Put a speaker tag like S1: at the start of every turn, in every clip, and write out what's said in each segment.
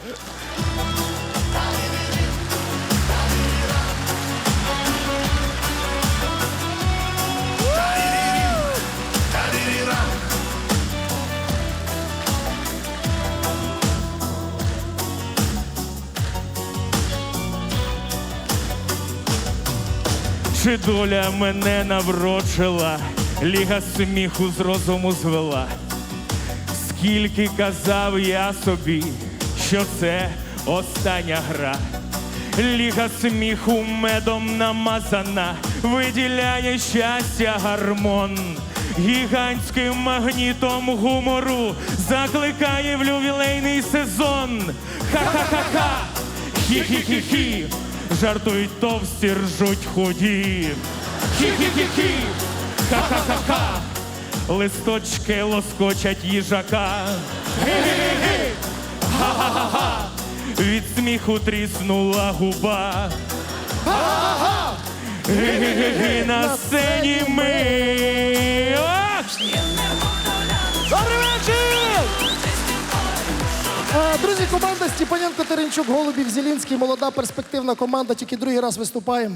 S1: Чи доля мене наврочила, ліга сміху з розуму звела. Скільки казав я собі, що це остання гра. Ліга сміху медом намазана, виділяє щастя гормон. Гігантським магнітом гумору закликає в ювілейний сезон. Ха-ха-ха-ха, хі-хі-хі-хі, жартують товсті, ржуть худі. Хі-хі-хі-хі, ха-ха-ха-ха, листочки лоскочать їжака. Гі-гі-гі-гі, ха-ха-ха-ха, від сміху тріснула губа. Ха-ха-ха, гі-гі-гі, на сцені ми.
S2: Добрий вечір! Друзі, команда Степаненко, Теренчук, Голубів, Зелінський, молода перспективна команда, тільки другий раз виступаємо.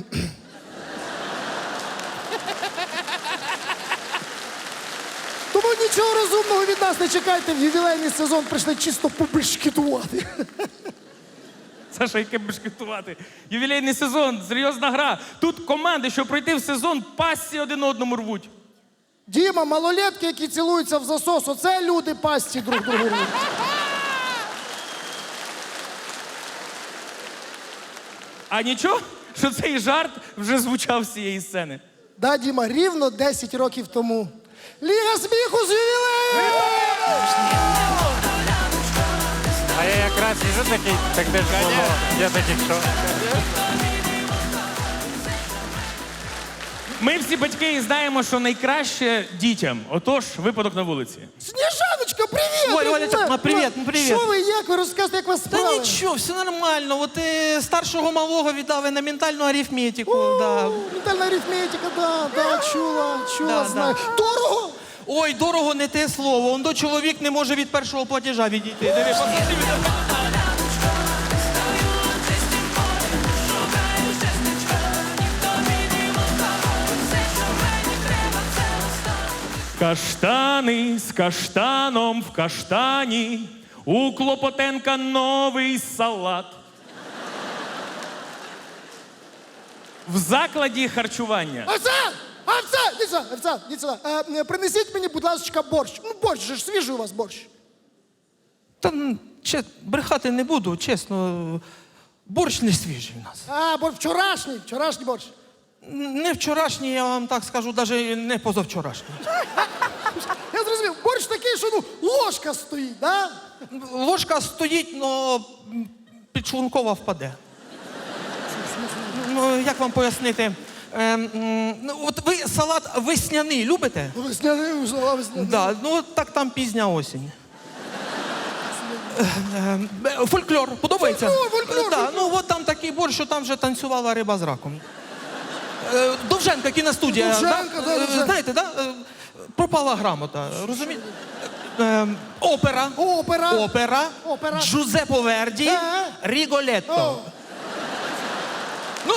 S2: Тому нічого розумного від нас не чекайте, в ювілейний сезон прийшли чисто побешкетувати.
S1: Саша, яке бешкетувати? Ювілейний сезон, серйозна гра. Тут команди, щоб пройти в сезон, пасті один одному рвуть.
S2: Діма, малолетки, які цілуються в засос, оце люди пасті друг другу рвуть.
S1: А нічого, що цей жарт вже звучав з цієї сцени.
S2: Да, Діма, рівно 10 років тому. Ліга сміху з ювілеєм!
S3: А я якраз сижу такий, так де ж було? Я такий, що?
S1: Ми всі батьки знаємо, що найкраще дітям. Отож, випадок на вулиці.
S2: Сніжаночка, привіт!
S4: Ой, Олечка, привіт, привіт.
S2: Що ви, як ви розказуєте, як вас
S4: Та
S2: справи?
S4: нічого, все нормально. От старшого малого віддали на ментальну арифметику. Да.
S2: Ментальна арифметика, да, чула,
S4: Да,
S2: знаю. Дорого?
S4: Ой, дорого не те слово. Он до чоловік не може від першого платежа відійти. Диви, посмотри,
S1: Каштани з каштаном в каштані, у Клопотенка новий салат. В закладі харчування.
S2: Іди сюди. Принесіть мені, будь ласка, борщ. Ну, борщ же ж свіжий у вас борщ.
S4: Та брехати не буду, чесно. Борщ не свіжий у нас.
S2: Борщ вчорашній борщ.
S4: Не вчорашній, я вам так скажу, навіть не позавчорашній.
S2: Я зрозумів, борщ такий, що ложка стоїть, да?
S4: Ложка стоїть, но підшлункова впаде. Ну, як вам пояснити? От ви салат весняний любите?
S2: Весняний.
S4: Да, ну от так там пізня осінь. Фольклор, подобається?
S2: Фольклор.
S4: Да, ну от там такий борщ, що там вже танцювала риба з раком. Довженка, кіностудія.
S2: Довженка, да, Довженка.
S4: Знаєте, да? Пропала грамота, розумієте? Опера.
S2: Опера.
S4: Джузеппе Верді. Ріголетто. Ну,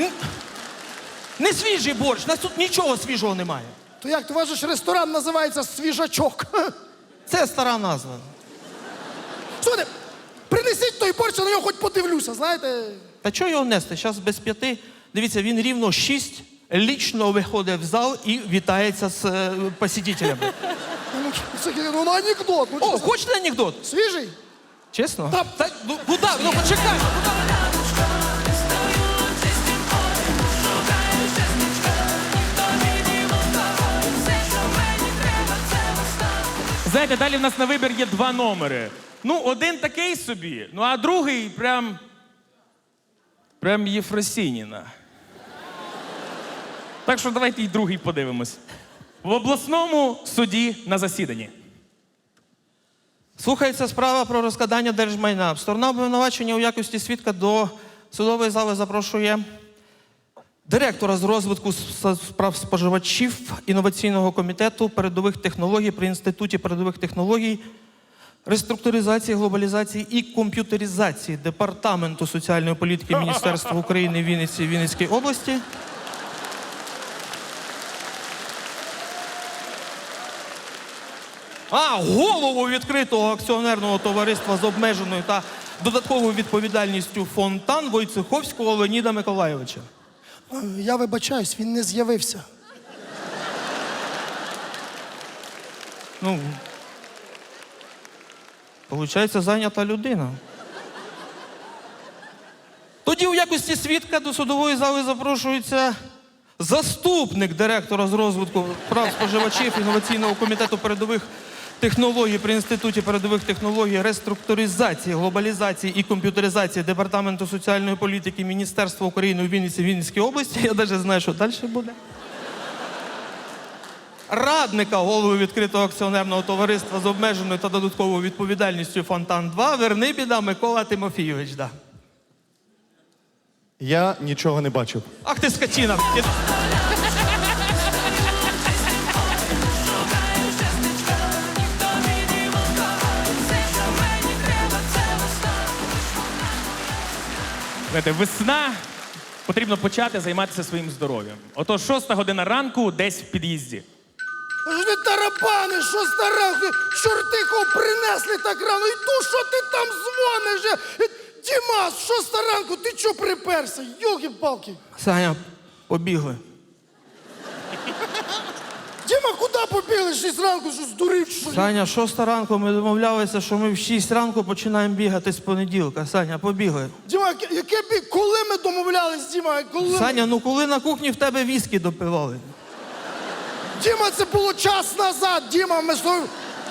S4: не свіжий борщ, у нас тут нічого свіжого немає.
S2: То як, то ваш же ж ресторан називається «Свіжачок».
S4: Це стара назва.
S2: Слухайте, принесіть той борщ, я на нього хоч подивлюся, знаєте.
S4: Та чого його нести? Зараз без 5. Дивіться, він рівно 6 лічно виходить в зал і вітається з посетителями.
S2: Ну, анекдот.
S4: О, хочете анекдот?
S2: Свіжий?
S4: Чесно? Та, ну, куди? Ну, почекай.
S1: Знаєте, далі в нас на вибір є 2 номери. Ну, один такий собі, ну а другий прям Єфросініна. Так що давайте і другий подивимось. В обласному суді на засіданні.
S4: Слухається справа про розкрадання держмайна. Сторона обвинувачення у якості свідка до судової зали запрошує директора з розвитку справ споживачів інноваційного комітету передових технологій при Інституті передових технологій реструктуризації, глобалізації і комп'ютеризації Департаменту соціальної політики Міністерства України в Вінниці, Вінницькій області. Голову відкритого акціонерного товариства з обмеженою та додатковою відповідальністю «Фонтан» Войцеховського Леоніда Миколайовича.
S2: Я вибачаюсь, він не з'явився.
S4: Ну, получається, зайнята людина. Тоді у якості свідка до судової зали запрошується заступник директора з розвитку прав споживачів інноваційного комітету передових технологій при Інституті передових технологій, реструктуризації, глобалізації і комп'ютеризації Департаменту соціальної політики Міністерства України у Вінниці, Вінницькій області. Я навіть знаю, що далі буде. Радника голови відкритого акціонерного товариства з обмеженою та додатковою відповідальністю «Фонтан-2» Вернибіда Микола Тимофійович. Да.
S5: Я нічого не бачив.
S4: Ах ти скотина!
S1: Знаєте, весна, потрібно почати займатися своїм здоров'ям. Отож, 6 година ранку десь в під'їзді.
S2: Ви тарабани, що старанку, чорти кого принесли так рано, і ту, що ти там дзвониш? Дімас, що старанку, ти чого приперся? Йолки-палки.
S4: Саня, побігли.
S2: Діма, куди побігли 6 ранку, що здурів? Що?
S4: Саня, 6 ранку ми домовлялися, що ми в 6 ранку починаємо бігати з понеділка. Саня, побігли.
S2: Діма, яке бі... коли ми домовлялись, Діма? Коли...
S4: Саня, ну коли на кухні в тебе віскі допивали?
S2: Діма, це було час назад, Діма, ми з тобою...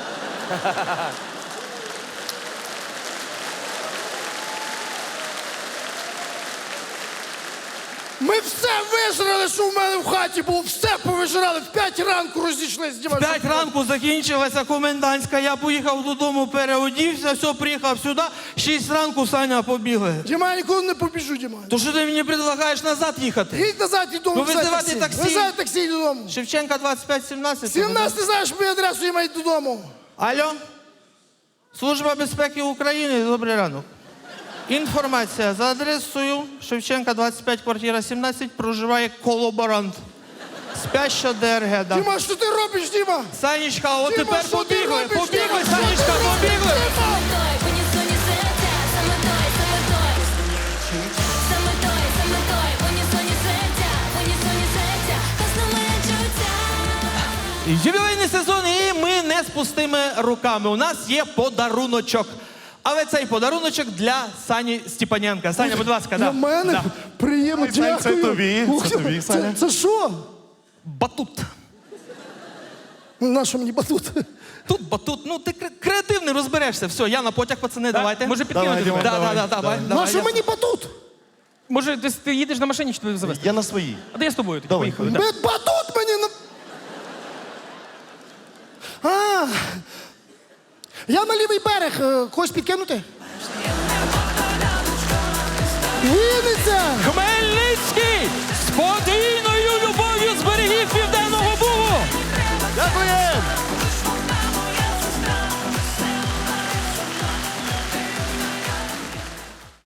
S2: Ми все вижрали, що в мене в хаті було, все повижрали, в 5 ранку розійшлись, Діма.
S4: 5 ранку закінчилася комендантська, я поїхав додому, переодівся, все, приїхав сюди, 6 ранку, Саня, побігли.
S2: Діма, я ніколи не побіжу, Діма.
S4: То що ти мені предлагаєш назад їхати?
S2: Їдь назад, і додому,
S4: Ну, визивати таксі.
S2: Визивай таксі, йди додому.
S4: Шевченка 25-17.
S2: 17 не знаєш мою адресу, Діма, йди додому.
S4: Алло? Служба безпеки України, добрий ранок. Інформація за адресою Шевченка 25, квартира 17, проживає колаборант. Спяща ДРГ, да.
S2: Діма, що ти робиш, Діма?
S4: Санечка, от
S2: Діма,
S4: тепер
S2: що ти
S4: побігли,
S2: робиш,
S4: побігли,
S2: Діма? Що
S4: Санечка,
S2: ти робиш,
S4: побігли.
S2: Діма?
S4: Ювілейний сезон, і ми не з пустими руками. У нас є подаруночок. Але цей подаруночок для Сані Степаненка. Саня, будь ласка,
S2: Для
S4: да.
S2: мене?
S4: Да.
S2: Приємно,
S5: Це
S2: дякую.
S5: тобі,
S2: Ух
S5: це
S2: ти,
S5: тобі, Саня.
S2: Це що?
S4: Батут.
S2: На що мені батут?
S4: Тут батут, ну ти креативний, розберешся. Все, я на потяг, пацани, давайте.
S1: Може
S5: Давай,
S1: підкинути?
S5: Діма.
S1: тебе?
S4: Давай.
S2: На що мені батут?
S1: Може, ти їдеш на машині, чи тебе завести?
S5: Я на своїй.
S1: А де я з тобою? Тоді
S5: Давай,
S1: поїхали.
S5: давай.
S1: да.
S2: Батут мені на... А, я на лівий берег. Когось підкинути? Вінниця!
S1: Хмель!